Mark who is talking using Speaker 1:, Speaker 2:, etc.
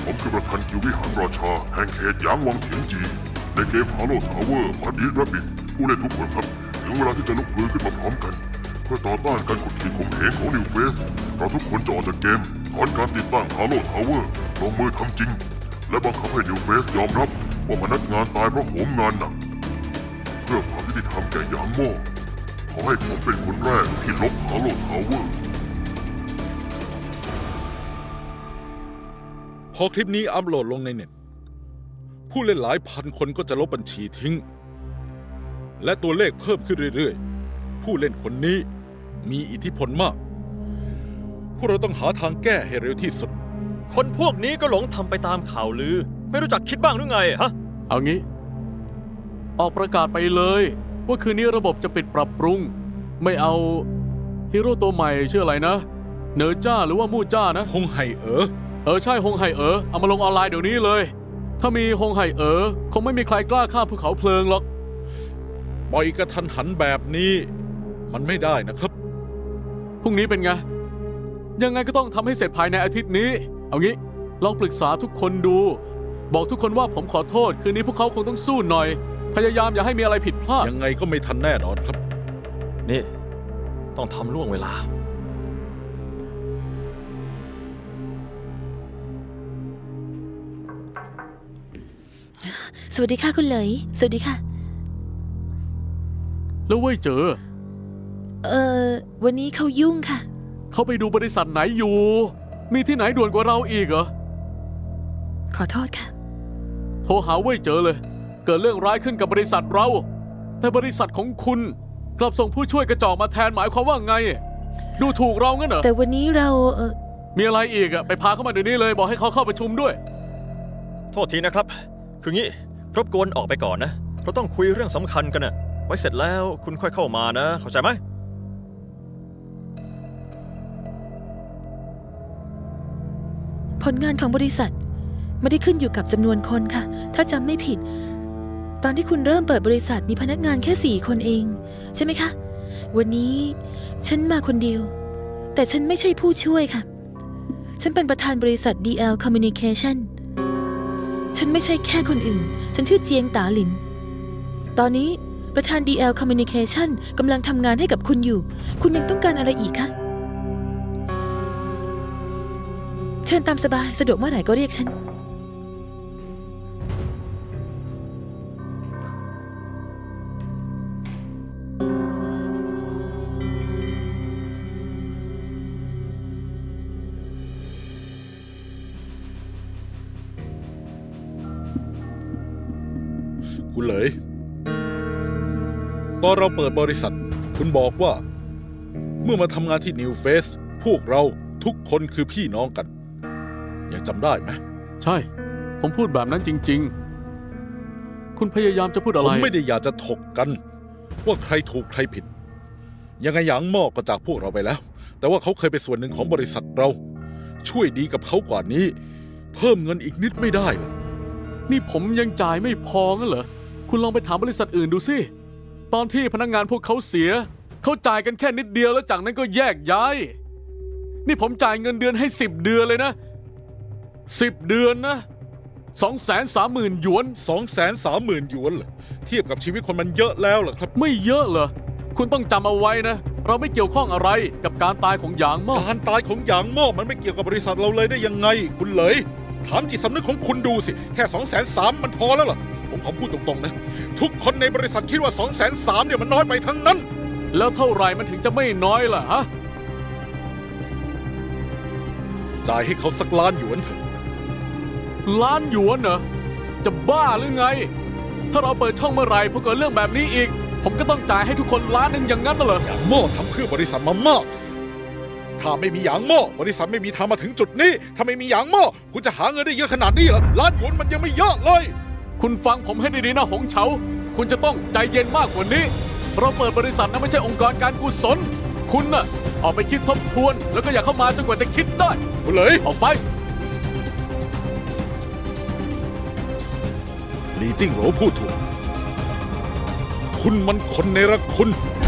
Speaker 1: ผมคือประธานกิลด์วิหารราชาแห่งเขตหยางวังเถียงจีในเกม Halo Tower บัดดี้แรบบิทผู้เล่นทุกคนครับถึงเวลาที่จะลุกฮือขึ้นมาพร้อมกันเพื่อต่อต้านการกดขี่ข่มเหงของนิวเฟสเราทุกคนจะออกจากเกมถอนการติดตั้ง Halo Tower ลงมือทำจริงและบังคับให้นิวเฟสยอมรับว่าพนักงานตายเพราะโหมงานหนักเพื่อความยุติธรรมแก่หยางโม่ขอให้ผมเป็นคนแรกที่ลบ Halo Tower
Speaker 2: พอคลิปนี้อัปโหลดลงในเน็ตผู้เล่นหลายพันคนก็จะลบบัญชีทิ้งและตัวเลขเพิ่มขึ้นเรื่อยๆผู้เล่นคนนี้มีอิทธิพลมากพวกเราต้องหาทางแก้ให้เร็วที่สุด
Speaker 3: คนพวกนี้ก็หลงทำไปตามข่าวลือไม่รู้จักคิดบ้างหรือไงฮะ
Speaker 4: เอางี้ ออกประกาศไปเลยว่าคืนนี้ระบบจะปิดปรับปรุง ไม่เอาฮีโร่ตัวใหม่ชื่ออะไรนะเนอจ้าหรือว่ามู่จ้านะ
Speaker 2: คงไห่
Speaker 4: ใช่ฮงไห่เอามาลงออนไลน์เดี๋ยวนี้เลย ถ้ามีฮงไห่คงไม่มีใครกล้าข้ามภูเขาเพลิงหรอก
Speaker 2: ปล่อยกระทันหันแบบนี้มันไม่ได้นะครับ
Speaker 4: พรุ่งนี้เป็นไง ยังไงก็ต้องทำให้เสร็จภายในอาทิตย์นี้ เอางี้ลองปรึกษาทุกคนดู บอกทุกคนว่าผมขอโทษคืนนี้พวกเขาคงต้องสู้หน่อย พยายามอย่าให้มีอะไรผิดพลาด
Speaker 2: ยังไงก็ไม่ทันแน่นอนครับ
Speaker 3: นี่ ต้องทำล่วงเวลา
Speaker 5: สวัสดีค่ะคุณเหลยสวัสดีค่ะ
Speaker 4: แล้วเว้ยเจอ
Speaker 5: วันนี้เขายุ่งค่ะ
Speaker 4: เขาไปดูบริษัทไหนอยู่ มีที่ไหนด่วนกว่าเราอีกเหรอ
Speaker 5: ขอโทษค่ะ
Speaker 4: โทรหาเว้ยเจอเลย เกิดเรื่องร้ายขึ้นกับบริษัทเรา แต่บริษัทของคุณกลับส่งผู้ช่วยกระจอกมาแทนหมายความว่าไง ดูถูกเรางั้นเหรอ
Speaker 5: แต่วันนี้เรา
Speaker 4: มีอะไรอีกอะไปพาเขามาเดี๋ยวนี้เลยบอกให้เขาเข้าประชุมด้วย
Speaker 3: โทษทีนะครับ คืองี้รบกวนออกไปก่อนนะเราต้องคุยเรื่องสำคัญกันนะไว้เสร็จแล้วคุณค่อยเข้ามานะเข้าใจไหม
Speaker 5: ผลงานของบริษัทไม่ได้ขึ้นอยู่กับจำนวนคนค่ะ ถ้าจำไม่ผิด ตอนที่คุณเริ่มเปิดบริษัทมีพนักงานแค่4 คนเอง ใช่ไหมคะ วันนี้ฉันมาคนเดียว แต่ฉันไม่ใช่ผู้ช่วยค่ะ ฉันเป็นประธานบริษัท DL Communication ฉันไม่ใช่แค่คนอื่น ฉันชื่อเจียงตาหลิน ตอนนี้ประธาน DL Communication กำลังทำงานให้กับคุณอยู่ คุณยังต้องการอะไรอีกคะ เชิญตามสบายสะดวกเมื่อไหร่ก็เรียกฉัน
Speaker 2: คุณเหลยตอนเราเปิดบริษัทคุณบอกว่า เมื่อมาทำงานที่นิวเฟสพวกเราทุกคนคือพี่น้องกันยังจำได้ไหม
Speaker 4: ใช่ ผมพูดแบบนั้นจริงๆ คุณพยายามจะพูดอะไร
Speaker 2: ผมไม่ได้อยากจะถกกัน ว่าใครถูกใครผิด ยังไงหยางหม้อก็จากพวกเราไปแล้ว แต่ว่าเขาเคยเป็นส่วนหนึ่งของบริษัทเรา ช่วยดีกับเขากว่านี้ เพิ่มเงินอีกนิดไม่ได้เหรอ
Speaker 4: นี่ผมยังจ่ายไม่พองั้นเหรอ คุณลองไปถามบริษัทอื่นดูสิ ตอนที่พนักงานพวกเขาเสีย เขาจ่ายกันแค่นิดเดียวแล้วจากนั้นก็แยกย้าย นี่ผมจ่ายเงินเดือนให้10 เดือนเลยนะ10 เดือนนะ 230,000 หยวน
Speaker 2: 230,000 หยวนเหรอเทียบกับชีวิตคนมันเยอะแล้วเหรอครับ
Speaker 4: ไม่เยอะเหรอ คุณต้องจำเอาไว้นะ เราไม่เกี่ยวข้องอะไรกับการตายของหยางหม้อ
Speaker 2: การตายของหยางหม้อมันไม่เกี่ยวกับบริษัทเราเลยได้ยังไง คุณเหลยถามจิตสำนึกของคุณดูสิแค่230,000มันพอแล้วเหรอผมขอพูดตรงๆนะทุกคนในบริษัทคิดว่า230,000เนี่ยมันน้อยไปทั้งนั้น
Speaker 4: แล้วเท่าไหร่มันถึงจะไม่น้อยล่ะฮะ
Speaker 2: จ่ายให้เขาสักล้านหยวนเถอะ
Speaker 4: ล้านหยวนเหรอ จะบ้าหรือไง ถ้าเราเปิดช่องเมื่อไหร่พอเกิดเรื่องแบบนี้อีก ผมก็ต้องจ่ายให้ทุกคนล้านหนึ่งอย่างนั้นน่ะเหรอ
Speaker 2: หยางหม้อทำเพื่อบริษัทมามากถ้าไม่มีหยางหม้อบริษัทไม่มีทางมาถึงจุดนี้ ถ้าไม่มีหยางหม้อคุณจะหาเงินได้เยอะขนาดนี้เหรอล้านหยวนมันยังไม่เยอะเลย
Speaker 4: คุณฟังผมให้ดีๆนะหงเฉา คุณจะต้องใจเย็นมากกว่านี้ เราเปิดบริษัทนะไม่ใช่องค์กรการกุศล คุณน่ะออกไปคิดทบทวน แล้วก็อย่าเข้ามาจนกว่าจะคิดได้
Speaker 2: คุณเหลย
Speaker 4: ออกไป
Speaker 2: ลีจิ้งโหลพูดถูกคุณมันคนเนรคุณ